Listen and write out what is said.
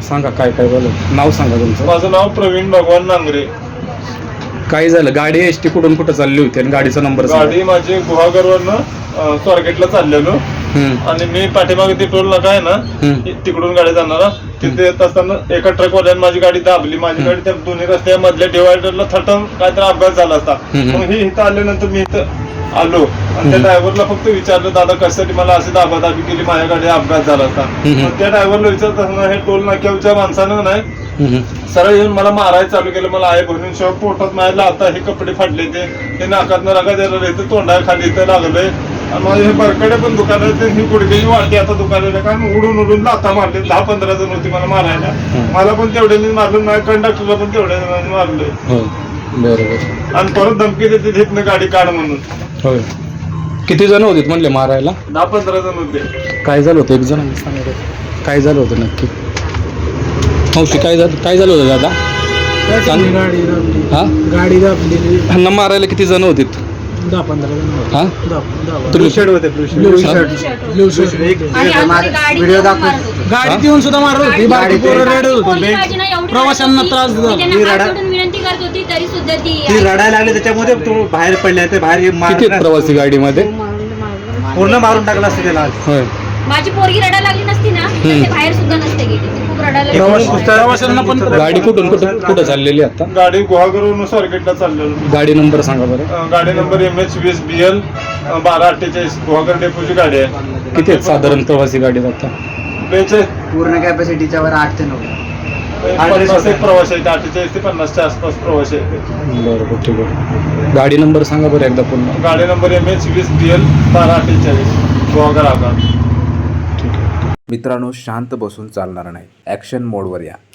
सांगा काय काय बोलत, नाव सांगा तुमचं. माझं नाव प्रवीण भगवान नांगरे. काय झालं? गाडी एसटी कुठून कुठं चालली होती आणि गाडीचा नंबर सांगा. गाडी माझी गुहागरवरनं स्वारगेटला चाललेलो आणि मी पाठीमागे ती टोल नाका आहे ना तिकडून गाडी जाणार. तिथे येत असताना एका ट्रकवाल्याने माझी गाडी दाबली. माझी गाडी त्या दोन्ही रस्त्या मधल्या डिवायडरला थटून काहीतरी अपघात झाला असता. मग ही इथं आल्यानंतर मी इथं आलो आणि त्या ड्रायव्हरला फक्त विचारलं, दादा कशासाठी मला अशी दाबादाबी केली, माझ्या गाडी अपघात झाला असता. मग त्या ड्रायव्हरला विचारत असताना हे टोल नाक्याच्या माणसानं नाही सरळ येऊन मला मारायला चालू केलं. मला आहे भरून शिवाय पोटात मारायला, आता हे कपडे फाडले ते नाकातनं रगा द्यायला येतं, तोंडा खाली इथं लागलंय आणि माझे हे बरकडे पण दुकानं ही गुडघ्याची वाटी आता दुकानाला कारण उडून लाथा मारले. 10-15 जण होती मला मारायला. मला पण तेवढ्याने मारलं, माझ्या कंडक्टरला पण तेवढ्या जणांनी मारलंय. बरोबर. आणि परत धमकी देते तिथनं गाडी काढ म्हणून. होय. किती जण होते म्हणले मारायला? 10-15 जण होते. काय झालं होतं? एक जण काय झालं होतं नक्की? मावशी काय झालं होतं दादा? गाडी दाबलेली. ह्यांना मारायला किती जण होते? 10-15 जण. हा ब्लू शर्ट होते. गाडीत येऊन सुद्धा मारत होती. बाकी पोरं रडत होते, प्रवाशांना त्रास देत होते. विनंती करत होती तरी सुद्धा ती रडायला लागली. त्याच्यामध्ये तो बाहेर पडले, ते बाहेर किती प्रवासी गाडीमध्ये? पूर्ण मारून टाकला असते त्याला. होय. माझी पोरगी रडायला लागली नसती ना तर ते बाहेर सुद्धा नसते गेली. ती खूप रडायला प्रवाशांना पण गाडी कुठून कुठं चाललेली आता? गाडी गुहागरवरून स्वारगेटला चाललेलो. गाडी नंबर सांगा बरं. गाडी नंबर MH20BL 1248 गुहागर डेपोची गाडी आहे. किती आहेत साधारण प्रवासी गाडीत आता? पूर्ण कॅपॅसिटीच्या वर 8 ते 9 50 एक प्रवासी आहेत. 48 ते 50च्या आसपास प्रवासी आहेत. बरोबर, ठीक आहे. गाडी नंबर सांगा बरं एकदा पुन्हा. गाडी नंबर MH20BL 1248 गुहागर आगार. मित्रांनो, शांत बसून चालणार नाही. ॲक्शन मोडवर या.